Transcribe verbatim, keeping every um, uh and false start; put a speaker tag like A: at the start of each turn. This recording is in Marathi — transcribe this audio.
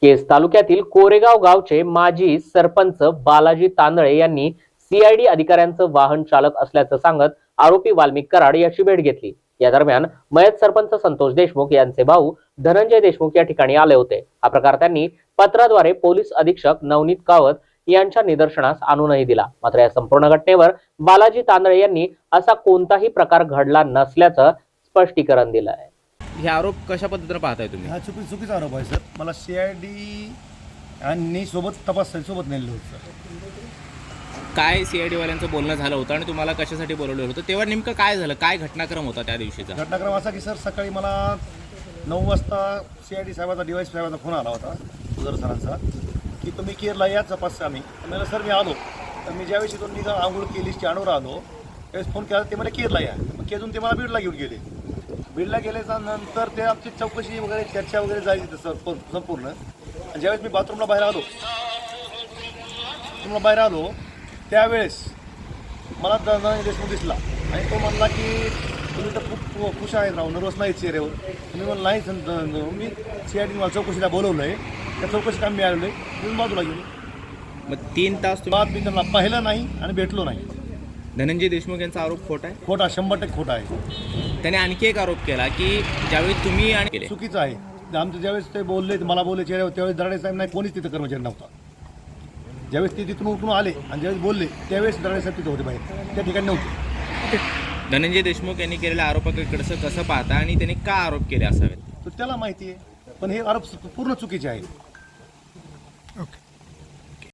A: केज तालुक्यातील कोरेगाव गावचे माजी सरपंच बालाजी तांदळे यांनी सीआयडी अधिकाऱ्यांचं वाहन चालक असल्याचं सांगत आरोपी वाल्मिक कराड याची भेट घेतली। या दरम्यान मयत सरपंच संतोष देशमुख यांचे भाऊ धनंजय देशमुख या ठिकाणी आले होते। हा प्रकार त्यांनी पत्राद्वारे पोलीस अधीक्षक नवनीत कावत यांच्या निदर्शनास आणूनही दिला। मात्र या संपूर्ण घटनेवर बालाजी तांदळे यांनी असा कोणताही प्रकार घडला नसल्याचं स्पष्टीकरण दिलं आहे।
B: हे आरोप कशा पद्धतीने पाहताय तुम्ही?
C: हा चुकी चुकीचा आरोप आहे सर। मला सी आय डी आणि सोबत तपास सोबत नेलेलं होतं सर।
B: काय सीआयडी वाल्यांचं बोलणं झालं होतं आणि तुम्हाला कशासाठी बोलवलं होतं तेव्हा नेमकं काय झालं? काय घटनाक्रम होता त्या दिवशीचा?
C: घटनाक्रम असा की सर सकाळी मला नऊ वाजता सी आय डी साहेबाचा डिवाईस साहेबाचा फोन आला होता उदर सरांचा की तुम्ही केरला या तपास आम्ही मला सर मी आलो। तर मी ज्यावेळेस इथून निघा आंघोळ केली स्टँडवर आलो त्यावेळेस फोन केला ते मला केरला या। मग केजून ते मला बीडला घेऊन गेले। बीडला गेल्याच्या नंतर ते आमची चौकशी वगैरे चर्चा वगैरे झाली तसं संपूर्ण। आणि ज्यावेळेस मी बाथरूमला बाहेर आलो बाथरूमला बाहेर आलो त्यावेळेस मला धनंजय देशमुख दिसला आणि तो म्हणला की तुम्ही तर खूप खुश आहेत राव, नर्वस नाही चेहऱ्यावर। तुम्ही म्हणलं नाही मी सी आय डी मला चौकशीला बोलवलं आहे, त्या चौकशी काम मी आलेलो आहे, तुम्ही बाजूला गेलो।
B: मग तीन तास
C: बात मी त्यांना पाहिलं नाही आणि भेटलो नाही।
B: धनंजय देशमुख यांचा आरोप खोटा आहे?
C: खोटा, शंभर टक्के खोटा आहे।
B: त्याने आणखी एक आरोप केला की ज्यावेळी तुम्ही आणि केले
C: चुकीचं आहे। आमचं ज्यावेळेस ते बोलले मला बोलले चेहऱ्यावर त्यावेळेस दराडे साहेब नाही, कोणीच तिथं कर्मचारी नव्हता। ज्यावेळेस ते तिथून उठून आले आणि ज्यावेळेस बोलले त्यावेळेस दराडे साहेब तिथे होते बाहेर, त्या ठिकाणी नव्हते।
B: धनंजय देशमुख यांनी केलेल्या आरोपाकडचं कसं पाहता आणि त्यांनी का आरोप केले असावेत?
C: तर त्याला माहिती आहे, पण हे आरोप पूर्ण चुकीचे आहेत।